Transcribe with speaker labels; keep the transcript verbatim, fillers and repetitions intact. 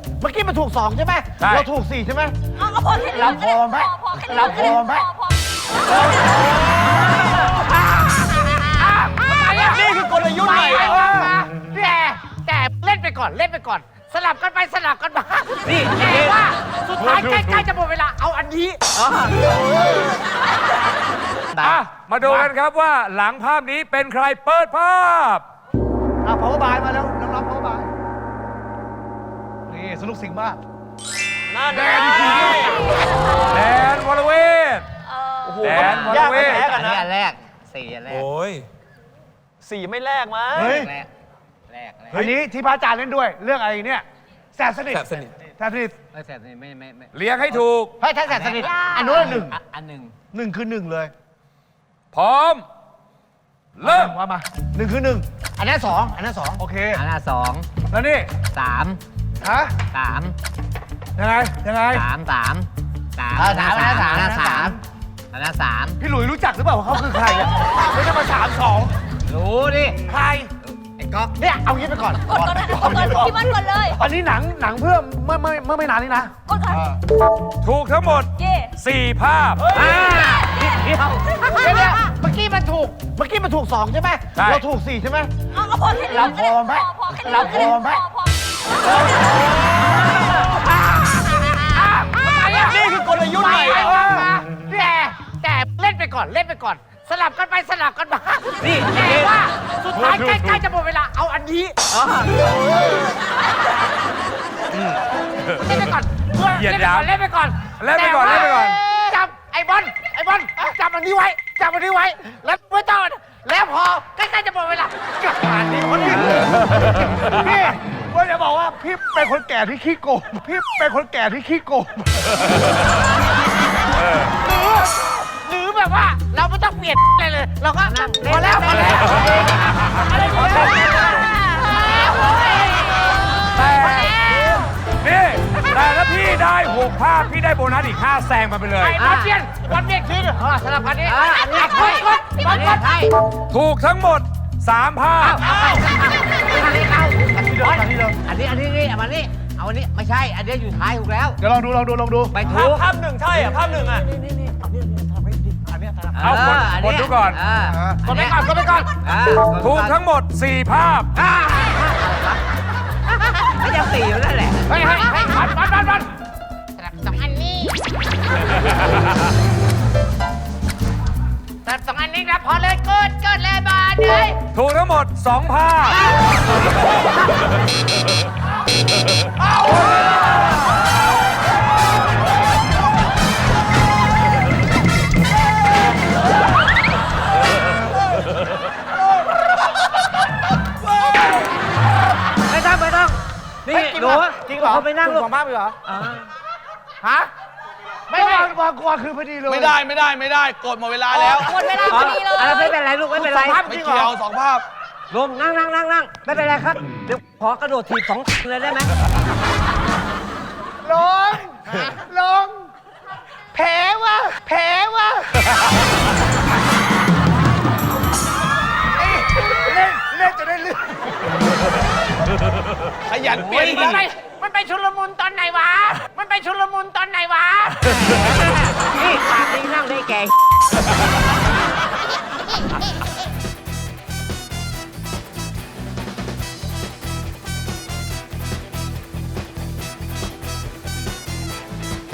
Speaker 1: เมื่อกี้มันถูกสองใช่ไหมเราถูกสี่ใช่ไหม
Speaker 2: เอาพอแค่นี้
Speaker 1: เราพอไหมเราพอไหมนี่คือกลยุทธ์ใหม่แต่แต่เล่นไปก่อนเล่นไปก่อน สลับกันไปสลับกันมานี่แต่ว่าสุดท้ายใกล้ๆจะหมดเวลาเอาอันนี้
Speaker 3: อ่ะมาดูกันครับว่าหลังภาพนี้เป็นใครเปิดภาพ
Speaker 1: อ่ะ power by มาแล้วน้องๆ power by นี่สนุกสิ่งมากแดนที
Speaker 3: แดนวรเวทแดนวรเวท
Speaker 4: อันนี้อันแรกสี่อันแรก
Speaker 3: โอ้ย
Speaker 5: สี่ไม่แลกมั้ง
Speaker 1: เฮ้ย
Speaker 4: แรกแรกแรก
Speaker 1: อันนี้ที่พระอาจารย์เล่นด้วยเรื่องอะไรเนี่ยแสบสนิท
Speaker 3: แสบสนิท
Speaker 1: แสบสนิท
Speaker 4: ไม่แสบนี่ไม่ไม่ไม่
Speaker 3: เลี้ยงให้ถูก
Speaker 1: เฮ้ยถ้าแสบสนิทอันนู้นหนึ่ง
Speaker 4: อันหนึ่ง
Speaker 1: หนึ่งคือหนึ่งเลย
Speaker 3: พร้อม เริ่ม
Speaker 1: ว่ามาหนึ่งคือหนึ่งอันนั้นสองอันนั้นสองโอเค
Speaker 4: อันละสอง
Speaker 1: แล้วนี่
Speaker 4: สาม
Speaker 1: ฮะ
Speaker 4: สาม
Speaker 1: ยังไงยังไง
Speaker 4: สามสามสาม
Speaker 1: เออสามอันละสาม
Speaker 4: อันละ
Speaker 1: อันละ
Speaker 4: สา
Speaker 1: สาม ม
Speaker 4: อันละสาม
Speaker 1: พี่หลุยรู้จักหรือเปล่าว่าเขาคือใครอ่ะไม่ใช่มาสามสอง
Speaker 4: รู้ดิ
Speaker 1: ใคร
Speaker 4: ไอ้ก๊อก
Speaker 1: เนี่ยเอางี้ไปก่อน
Speaker 2: กดก่อนนะกดก่อนพี่มันก่อนเลย
Speaker 1: อันนี้หนังหนังเพื่อเมื่อเมื่อเมื่อไม่นานนี้นะ
Speaker 2: กดก่อน
Speaker 3: ถูกทั้งหมด
Speaker 2: เย่
Speaker 3: สี่ภาพ
Speaker 4: อ่านิดเดียว
Speaker 1: เดี๋ยวเดี๋ยวเมื่อกี้มันถูกเมื่อกี้มันถูกสองใช่ไหม
Speaker 3: ใช่
Speaker 1: เราถูกสี่ใช่ไหม
Speaker 2: เอาพอแค่นี้
Speaker 1: เราพอไหม
Speaker 2: พอแค่นี้
Speaker 1: เราพอไหม
Speaker 2: พอ
Speaker 1: นี่คือกลยุทธ์ใหม่แต่แต่เล่นไปก่อนเล่นไปก่อน สลับกันไปสลับกันมานี่แต่ว่าสุดท้ายใกล้ๆจะหมดเวลาเอาอันนี้เล่นไปก่อนเพื่อ
Speaker 3: เหยียด
Speaker 1: เล่นไป
Speaker 3: หยาม
Speaker 1: ก่อนเล่นไปก่อน
Speaker 3: เล่นไปก่อนเล่นไปก่อน
Speaker 1: จับไอ้บอลไอ้บอลจับอันนี้ไว้จับอันนี้ไว้แล้วไม่ต้องแล้วพอใกล้ๆจะหมดเวลาจับอันนี้คนนี้พี่ก็จะบอกว่าพี่เป็นคนแก่ที่ขี้โกงพี่เป็นคนแก่ที่ขี้โกงหรือหรือแบบว่าเราไม่ต้องเปลี่ยนอะไรเลย เราก็พอแล้วพอแล้วอะไรพอแล้ว
Speaker 3: แต่นี่แต่ถ้าพี่ได้หกภาพ พี่ได้โบนัสอีกห้าแซงมาไปเลย
Speaker 1: ไอ้บอลเปลี่ยนบอลเปลี่ยนคืนสลับกันนี้
Speaker 4: อ่าอันนี้
Speaker 1: ก
Speaker 4: ใช่
Speaker 1: ดกดบอลกด
Speaker 4: ใช่
Speaker 3: ถูกทั้งหมดสามภาพ
Speaker 4: อันนี้เอาอันนี้อันนี้อันนี้นี่เอาอันนี้เอาอันนี้ไม่ใช่อันนี้อยู่ท้ายถูกแล้ว
Speaker 1: เดี๋ยวลองดูลองดูลองดู
Speaker 4: ไปถูก
Speaker 5: ภาพหนึ่งใช่อ่ะ ภาพหนึ่งอ่ะ
Speaker 3: เอากดกดดูก่อน
Speaker 1: กดไปก่อนกดไปก่อน
Speaker 3: ถูกทั้งหมดสี่ภาพ
Speaker 4: ไม่ยังสี่อยู่นั่นแหละ
Speaker 1: เฮ้ยเฮ้ยเฮ้ยบอลบอลบอลบอลสลับสองอันนี้สลับสองอันนี้นะพอเลยกดกดเลยบอลเลย
Speaker 3: ถูกทั้งหมดสองภาพ
Speaker 4: ไม่ต้องไม่ต้องนี่หนู
Speaker 1: จริงเหรอ
Speaker 4: เขาไปนั่งลูก
Speaker 1: สองภาพเหรอ
Speaker 4: อ่า
Speaker 1: ฮะไม่วางวางกวางคือพอดีเลย
Speaker 5: ไม่ได้ไม่ได้ไม่ได้ กดหมดเวลาแล้ว
Speaker 2: หมดเวลาพอดีเลย
Speaker 4: อะไรไม่เป็นไรลูกไม่เป็นไร
Speaker 1: สองภาพ
Speaker 5: ไม่
Speaker 1: จริงเหร
Speaker 5: เกี่ยว
Speaker 1: อ
Speaker 5: สองภาพ
Speaker 4: ลงนั่งนั่งนั่งนั่งไม่เป็นไรครับเดี๋ยวขอกระโดดถีบสองเลยได้ไหม
Speaker 1: ลงลงแผลวะแผลวะเล่นเล่นจะได้เรื่อง
Speaker 5: ขยันเปลี่ยน
Speaker 1: มันไป
Speaker 5: บ้าง
Speaker 1: มันไปชุลมุนตอนไหนวะ มันไปชุลมุนตอนไหนวะ
Speaker 4: นี่ปากนี้นั่งได้แก่